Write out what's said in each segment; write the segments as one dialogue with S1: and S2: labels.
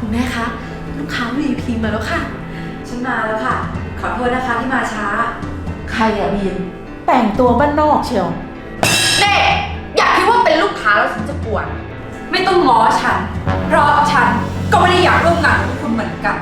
S1: คุณแม่คะลูกค้า VIP มาแล้วค่ะฉันมาแล้วค่ะขอโทษนะคะที่มาช้า
S2: ใครอะบีมแต่งตัวบ้านนอกเชียว
S3: เน่อยากคิดว่าเป็นลูกค้าแล้วฉันจะกวน
S1: ไม่ต้องง้อฉันเพราะฉันก็ไม่ได้อยากร่วมงานกับคุณเหมือนกัน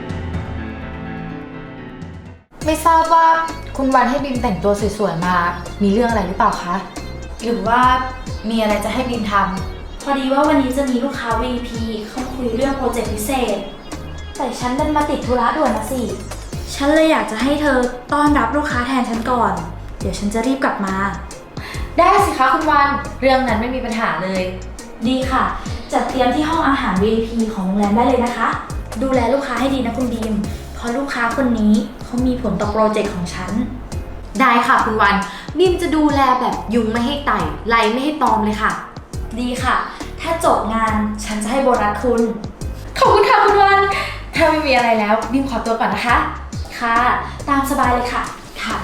S3: ไม่ทราบว่าคุณวันให้บิมแต่งตัวสวยๆมามีเรื่องอะไรหรือเปล่าคะหรือว่ามีอะไรจะให้บิมทำ
S4: พอดีว่าวันนี้จะมีลูกค้า VIP เข้าคุยเรื่องโปรเจกต์พิเศษแต่ฉันดันมาติดธุระด่วนนะสิฉันเลยอยากจะให้เธอต้อนรับลูกค้าแทนฉันก่อนเดี๋ยวฉันจะรีบกลับมา
S3: ได้สิคะคุณวันเรื่องนั้นไม่มีปัญหาเลย
S4: ดีค่ะจัดเตรียมที่ห้องอาหาร VIP ของโรงแรมได้เลยนะคะดูแลลูกค้าให้ดีนะคุณบีมเพราะลูกค้าคนนี้เขามีผลต่อโปรเจกต์ของฉัน
S3: ได้ค่ะคุณวันบิมจะดูแลแบบยุงไม่ให้ไต่ไล่ไม่ให้ตอมเลยค่ะ
S4: ดีค่ะถ้าจบงานฉันจะให้โบนัสคุณ
S3: ขอบคุณค่ะคุณวันถ้าไม่มีอะไรแล้วบิมขอตัวก่อนนะคะ
S4: ค่ะตามสบายเลยค่ะ
S3: ค่ะ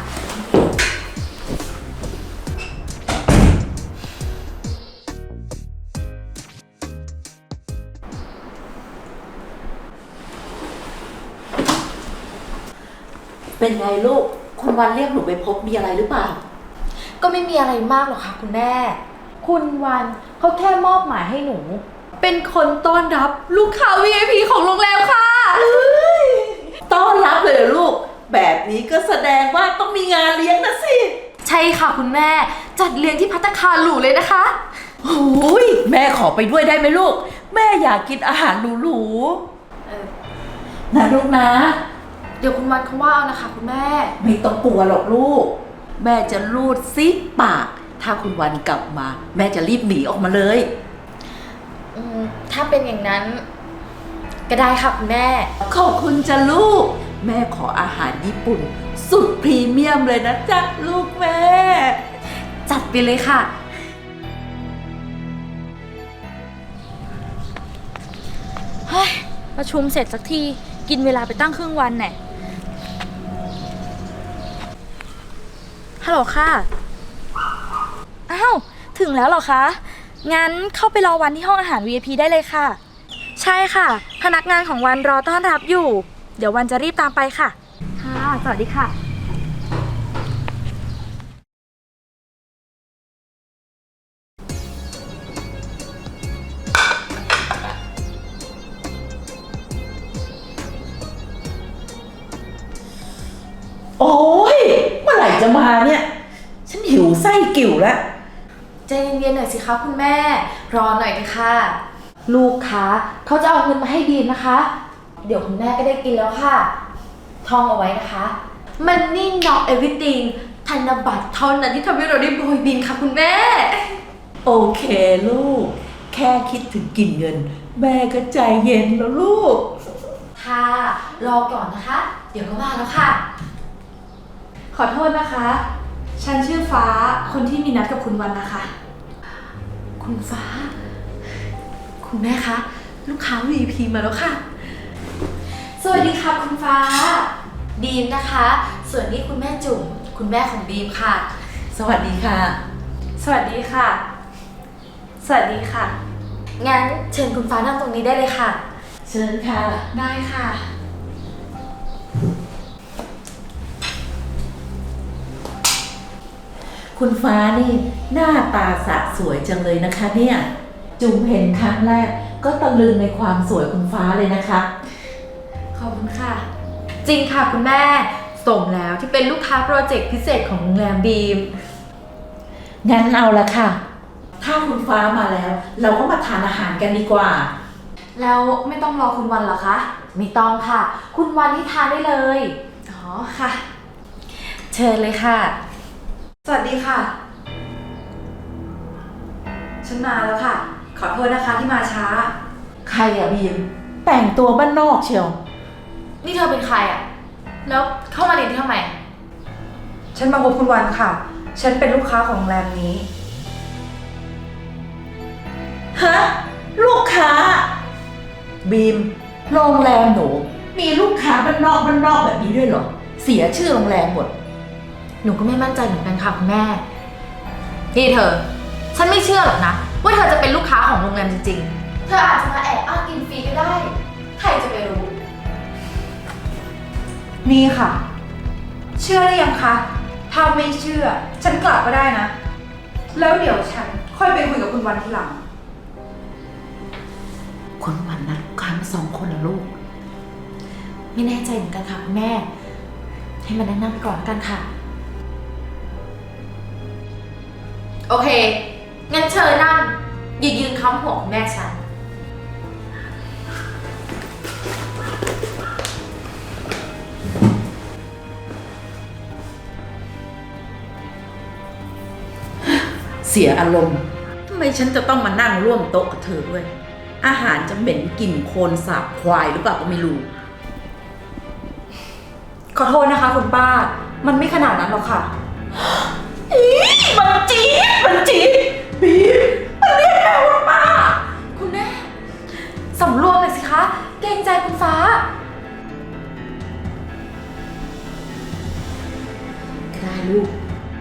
S2: เป็นไงลูกคุณวันเรียกหนูไปพบมีอะไรหรือเปล่า
S3: ก็ไม่มีอะไรมากหรอกค่ะคุณแม่คุณวันเขาแค่มอบหมายให้หนูเป็นคนต้อนรับลูกค้า VIP ของโรงแรมค่ะ
S2: ต้อนรับเลยเหรอลูกแบบนี้ก็แสดงว่าต้องมีงานเลี้ยงนะสิ
S3: ใช่ค่ะคุณแม่จัดเลี้ยงที่ภัตตาคารหรูเลยนะคะ
S2: โอ้ยแม่ขอไปด้วยได้ไหมลูกแม่อยากกินอาหารหรูๆนะลูกนะ
S3: เดี๋ยวคุณวันเขาว่าเอานะคะคุณแม่
S2: ไม่ต้องกลัวหรอกลูกแม่จะรูดซิปปากถ้าคุณวันกลับมาแม่จะรีบหนีออกมาเลย
S3: ถ้าเป็นอย่างนั้นก็ได้ค่ะคุณแม่
S2: ขอบคุณจ้ะลูกแม่ขออาหารญี่ปุ่นสุดพรีเมียมเลยนะจ๊ะลูกแม่
S3: จัดไปเลยค่ะ
S4: เฮ้ยประชุมเสร็จสักทีกินเวลาไปตั้งครึ่งวันแน่ฮัลโหลค่ะอ้าวถึงแล้วเหรอคะงั้นเข้าไปรอวันที่ห้องอาหาร VIP ได้เลยค่ะใช่ค่ะพนักงานของวันรอต้อนรับอยู่เดี๋ยววันจะรีบตามไปค่ะค่ะสวัสดีค่ะ
S2: โอ้ยเมื่อไหร่จะมาเนี่ยฉันหิวไส้กิ่วแล้ว
S3: ใจเย็นๆหน่อยสิคะคุณแม่รอหน่อยนะคะ ลูกค้าเขาจะเอาเงินมาให้บีมนะคะเดี๋ยวคุณแม่ก็ได้กินแล้วค่ะท่องเอาไว้นะคะ Money not everything ธนบัตรเท่านั้นที่ทำให้เราได้โบยบินค่ะคุณแม่
S2: โอเคลูกแค่คิดถึงกินเงินแม่ก็ใจเย็นแล้วลูก
S3: ค่ะรอก่อนนะคะเดี๋ยวก็มาแล้วค่ะ
S4: ขอโทษนะคะฉันชื่อฟ้าคนที่มีนัดกับคุณวันนะคะ
S1: คุณฟ้าคุณแม่คะลูกค้า VIP มาแล้วค่ะ
S3: สวัสดีค่ะคุณฟ้าบีมนะคะส่วนนี้คุณแม่จุ๋มคุณแม่ของบีมค่ะ
S2: สวัสดีค่ะ
S4: สวัสดีค่ะสวัสดีค่ะ
S3: งั้นเชิญคุณฟ้านั่งตรงนี้ได้เลยค่ะ
S2: เชิญค่ะ
S3: ได้ค่ะ
S2: คุณฟ้านี่หน้าตาสะสวยจังเลยนะคะเนี่ยจุ๋มเห็นครั้งแรกก็ตะลึงในความสวยคุณฟ้าเลยนะคะ
S3: ขอบคุณค่ะจริงค่ะคุณแม่สมแล้วที่เป็นลูกค้าโปรเจกต์พิเศษของโรงแรมบีม
S2: งั้นเอาละค่ะถ้าคุณฟ้ามาแล้วเราก็มาทานอาหารกันดีกว่า
S4: แล้วไม่ต้องรอคุณวันเหรอคะ
S3: ไม่ต้องค่ะคุณวันที่ทานได้เลย
S4: อ๋อค่ะ
S3: เชิญเลยค่ะ
S1: สวัสดีค่ะฉันมาแล้วค่ะขอโทษนะคะที่มาช้า
S2: ใครอะบีมแต่งตัวบ้านนอกเชียว
S3: นี่เธอเป็นใครอะแล้วเข้ามาในที่ทำไม
S1: ฉันมาพบคุณวันค่ะฉันเป็นลูกค้าของโรงแรมนี้
S2: ฮะลูกค้าบีมโรงแรมหนูมีลูกค้าบ้านนอกแบบนี้ด้วยเหรอเสียชื่อโรงแรมหมด
S3: หนูก็ไม่มั่นใจเหมือนกันค่ะคุณแม่นี่เธอฉันไม่เชื่อหรอกนะว่าเธอจะเป็นลูกค้าของโรงแรมจริงๆเธออาจจะมาแอบอ้างกินฟรีก็ได้
S5: นี่ค่ะ เชื่อหรือยังคะ ถ้าไม่เชื่อ ฉันกลับก็ได้นะ แล้วเดี๋ยวฉันค่อยไปคุยกับคุณวันทีหลัง
S2: คนวันนัดลูกค้ามา2 คนเหรอลูก
S3: ไม่แน่ใจเหมือนกันค่ะคุณแม่ ให้มันนั่งไปก่อนแล้วกันค่ะ โอเค งั้นเชิญนั่งอย่ายืนค้ำหัวคุณแม่ฉัน
S2: เสียอารมณ์ทำไมฉันจะต้องมานั่งร่วมโต๊ะกับเธอด้วย อาหารจะเหม็นกลิ่นโคลนสาบควายหรือเปล่าก็ไม่รู้
S5: ขอโทษนะคะคุณป้า มันไม่ขนาดนั้นหรอกค่ะ
S2: มันจี๊ดบีมมันเรียกแม่ว่าป้า
S3: คุณแม่สำรวมหน่อยสิคะ เกรงใจคุณฟ้า
S2: ได้ลูก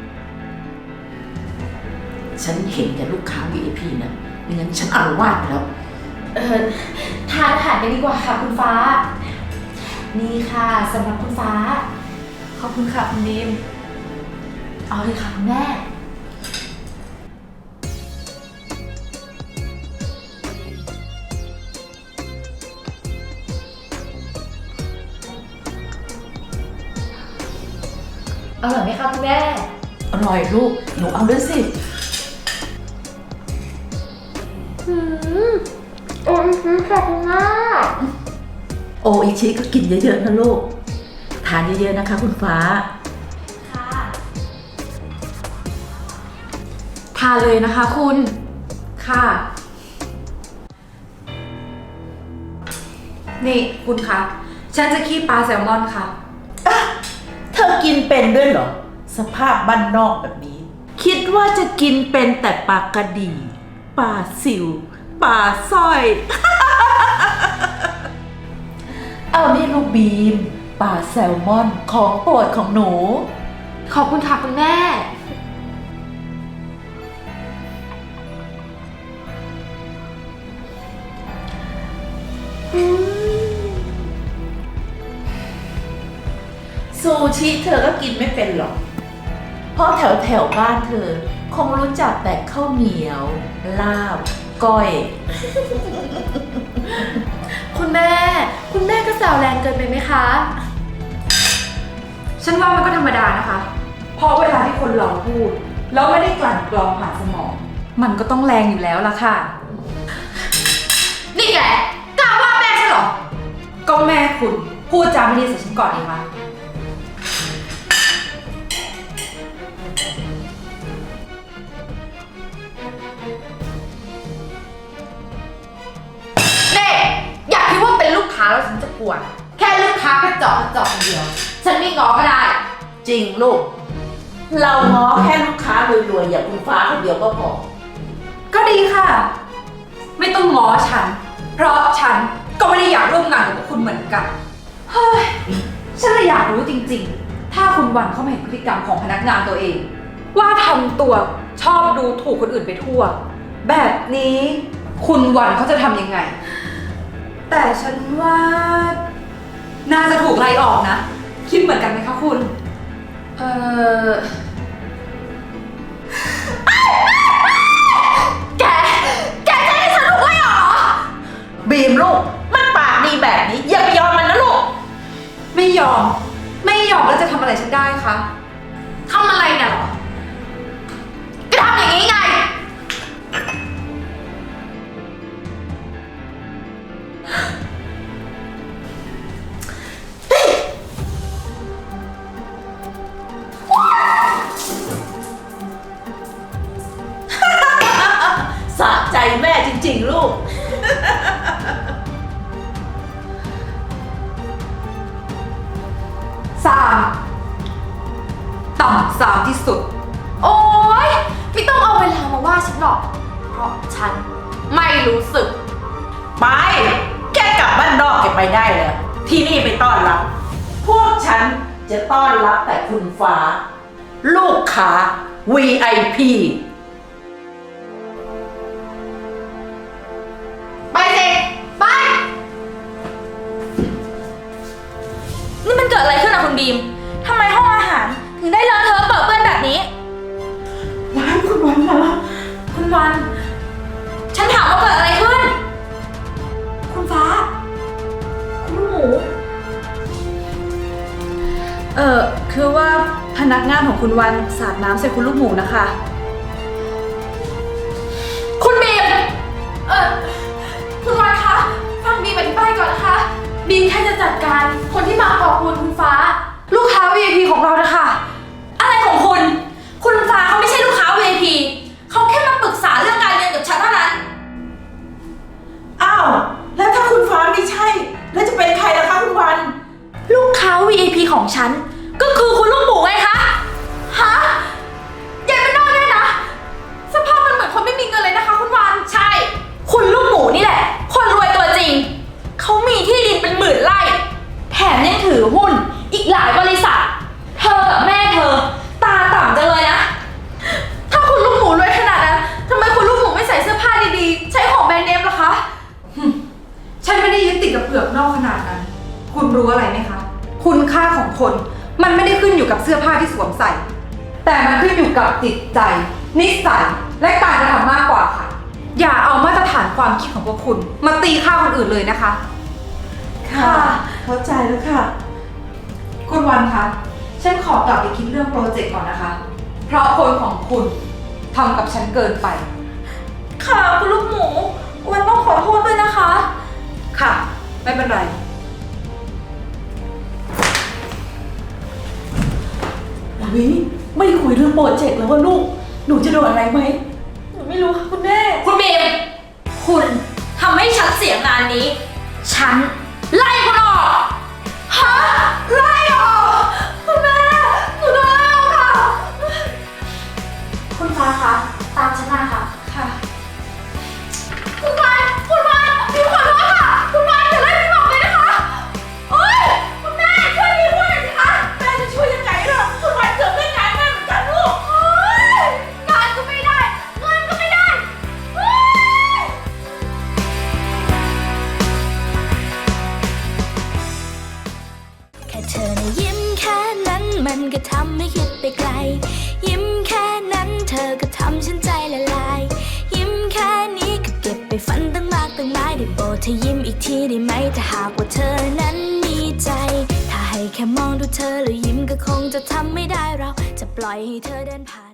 S2: ฉันเห็นแต่ลูกค้า VIP นะไม่งั้นฉันอารวาสไปแล้ว
S3: ทานอาหารกันดีกว่าค่ะคุณฟ้า นี่ค่ะสำหรับคุณฟ้า
S5: ขอบคุณค่ะคุณบีม
S3: เอาเลยค่ะคุณแม่ อร่อยไหมคะคุณแม่
S2: อร่อยลูก หนูเอาด้วยสิ
S3: โอ้ยขอบคุณมาก
S2: โออิชิก็กินเยอะๆนะลูก ทานเยอะๆนะคะคุณฟ้า
S3: ค่ะ
S5: ทานเลยนะคะคุณ ค่ะ นี่คุณคะ ฉันจะคีบปลาแซลมอนค่ะ
S2: เธอกินเป็นด้วยเหรอ สภาพบ้านนอกแบบนี้ คิดว่าจะกินเป็นแต่ปลากระดีปลาซิวปลาสร้อย เอานี่ลูกบีมปลาแซลมอนของโปรดของหนู
S3: ขอบคุณค่ะคุณแม่
S2: ซูชิเธอก็กินไม่เป็นหรอก เพราะแถวบ้านเธอ คงรู้จักแต่ข้าวเหนียว ลาบ ก้อย
S3: คุณแม่ คุณแม่ก็แซวแรงเกินไปไหมคะ
S5: ฉันว่ามันก็ธรรมดานะคะ เพราะเวลาที่คนเราพูด แล้วไม่ได้กลั่นกรองผ่านสมอง มันก็ต้องแรงอยู่แล้วล่ะค่ะ
S3: นี่แหละกล้าว่าแม่ฉันเหรอ
S5: ก็แม่คุณพูดจาไม่ดีใส่ฉันก่อนดีคะ
S3: เน่อยากคิดว่าเป็นลูกค้าแล้วฉันจะกลัว แค่ลูกค้ากระจอกคนเดียว ฉันไม่ง้อก็ได้
S2: จริงลูก เราง้อแค่ลูกค้ารวยๆอย่างคุณฟ้าคนเดียวก็พอ
S5: ก็ดีค่ะ ไม่ต้องง้อฉัน เพราะฉันก็ไม่ได้อยากร่วมงานกับคุณเหมือนกัน เฮ้ย ฉันเลยอยากรู้จริงๆ ถ้าคุณวันเขามาเห็นพฤติกรรมของพนักงานตัวเอง ว่าทำตัวชอบดูถูกคนอื่นไปทั่ว แบบนี้คุณวันเขาจะทำยังไง แต่ฉันว่า น่าจะถูกไล่ออกนะ คิดเหมือนกันไหมคะคุณ
S3: แกจะให้ฉันถูกไล่ออกเหรอ
S2: บีมลูก มันปากดีแบบนี้ อย่าไปยอมมันนะลูก
S5: ไม่ยอม ไม่ยอมแล้วจะทำอะไรฉันได้คะ
S3: ทำอะไรน่ะเหรอก็ทำอย่างนี้ไง
S2: สะใจแม่จริงๆลูก
S5: ต่ำสามที่สุด
S3: โอ๊ย ไม่ต้องเอาเวลามาว่าฉันหรอก เพราะฉันไม่รู้สึก
S2: ไป แกกลับบ้านนอกแกไปได้แล้ว ที่นี่ไปต้อนรับ พวกฉันจะต้อนรับแต่คุณฟ้า ลูกค้า VIP
S3: ไปสิ ไป
S4: นี่มันเกิดอะไรขึ้นอะคุณบีมทำไมห้องอาหารถึงได้เลอะเทอะเปื้อนเปื้อนแบบนี้
S2: ว้ายคุณวันมา
S4: คุณวัน ฉันถามว่าเกิดอะไรขึ้น คุณฟ้า คุณลูกหมู
S5: คือว่าพนักงานของคุณวันสาดน้ำใส่คุณลูกหมูนะคะ
S4: คุณบีม คุณวันคะ ฟังบีมอธิบายก่อนนะคะ บีมแค่จะจัดการคนที่มาขอบคุณคุณฟ้า ลูกค้า VIP ของเรานะคะ อะไรของคุณ คุณฟ้าเขาไม่ใช่ลูกค้า VIP เขาแค่มาปรึกษาเรื่องการเรียนกับฉันเท่านั้น
S2: อ้าว แล้วถ้าคุณฟ้าไม่ใช่ แล้วจะเป็นใครล่ะคะคุณวัน
S4: ลูกค้า VIP ของฉัน ก็คือคุณลูกหมูไงคะ ฮะยายเป็นนอกเนี่ยนะ สภาพมันเหมือนคนไม่มีเงินเลยนะคะคุณวานใช่ คุณลูกหมูนี่แหละ คนรวยตัวจริง เขามีที่ดินเป็นหมื่นไร่ แถมยังถือหุ้นอีกหลายบริษัท เธอกับแม่เธอ ตาต่ำจังเลยนะ ถ้าคุณลูกหมูรวยขนาดนั้นทำไมคุณลูกหมูไม่ใส่เสื้อผ้าดีๆ ใช้ของแบรนด์เนมล่ะคะ
S5: ฉันไม่ได้ยึดติดกับเปลือกนอกขนาดนั้น คุณรู้อะไรไหมคะ คุณค่าของคนมันไม่ได้ขึ้นอยู่กับเสื้อผ้าที่สวมใส่ แต่มันขึ้นอยู่กับจิตใจ นิสัย และการกระทำมากกว่าค่ะ อย่าเอามาตรฐานความคิดของพวกคุณมาตีค่าคนอื่นเลยนะคะ
S2: ค่ะ เข้าใจแล้วค่ะ
S5: คุณวันคะ ฉันขอกลับไปคิดเรื่องโปรเจกต์ก่อนนะคะ เพราะคนของคุณทำกับฉันเกินไป
S4: ค่ะคุณลูกหมู วันต้องขอโทษด้วยนะคะ
S5: ค่ะ ไม่เป็นไร
S2: วิไม่คุยเรื่องโปรเจกต์แล้วว่าลูก หนูจะโดนอะไรไหม
S1: หนูไม่รู้ค่ะคุณแม่
S4: คุณบีม คุณทำให้ฉันเสียงานนี้ ฉันไล่คุณออก ฮะ ไล่ออก คุณแม่ หนูโดนไล่ออกค่ะ คุณฟ้าคะ ตามฉันมาค่ะ
S5: ค่ะ
S4: คุณวานบีมขอโทษค่ะ คุณวานอย่าไล่บีมออกเลยนะคะ โอ๊ย คุณแม่ช่วยบีมด้วยสิคะ
S2: แม่จะช่วยยังไงล่ะคุณวันเกือบได้งานแม่เหมือนกันลูก
S4: โอ๊ยงานก็ไม่ได้ เงินก็ไม่ได้โอ๊ย
S6: แค่เธอนะยิ้มแค่นั้นมันก็ทำให้คิดไปไกล ยิ้มแค่นั้นเธอก็ทำฉันใจละลาย ยิ้มแค่นี้ก็เก็บไปฝันตั้งมากตั้งหลายได้โปรดเธอยิ้มอีกทีได้ไหมถ้าหากว่าเธอนั้นมีใจ ถ้าให้แค่มองดูเธอแล้วยิ้มก็คงจะทำไม่ได้เราจะปล่อยให้เธอเดินผ่าน